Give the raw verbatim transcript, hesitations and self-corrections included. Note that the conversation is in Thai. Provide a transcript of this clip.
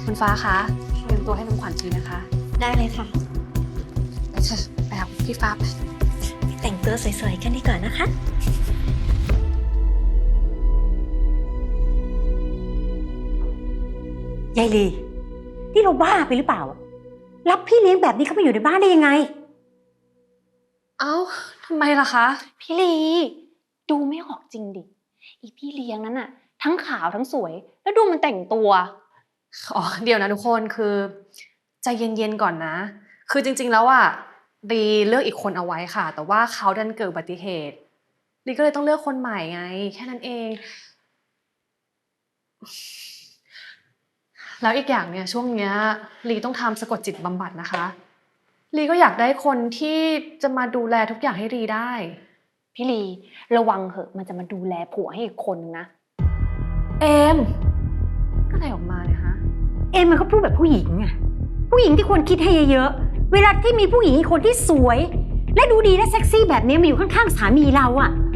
คุณฟ้าคะเตรียมตัวให้น้ำขวัญทีนะคะได้เลยค่ะไปเถอะไปหาพี่ฟ้าไปแต่งตัวสวยๆกันดีกว่านะคะยายลีนี่เราบ้าไปหรือเปล่ารับพี่เลี้ยงแบบนี้เข้ามาอยู่ในบ้านได้ยังไงเอ้าทำไมล่ะคะพี่ลีดูไม่ออกจริงดิอีพี่เลี้ยงนั้นอะทั้งขาวทั้งสวย แล้วดูมันแต่งตัวอ๋อเดี๋ยวนะทุกคนคือใจเย็นๆก่อนนะ คือจริงๆแล้วอ่ะลีเลือกอีกคนเอาไว้ค่ะ แต่ว่าเขาดันเกิดอุบัติเหตุลีก็เลยต้องเลือกคนใหม่ไง แค่นั้นเอง แล้วอีกอย่างเนี่ยช่วงเนี้ยลีต้องทำสะกดจิตบำบัดนะคะลีก็อยากได้คนที่จะมาดูแลทุกอย่างให้ลีได้พี่ลีระวังเหอะมันจะมาดูแลผัวให้อีกคนนึงนะเอมก็อะไรออกมาเนี่ยฮะเอ็มมันก็พูดแบบผู้หญิงอะผู้หญิงที่ควรคิดให้เยอะๆเวลาที่มีผู้หญิงอีกคนที่สวย และดูดีและเซ็กซี่แบบนี้มาอยู่ข้างๆสามีเราอะ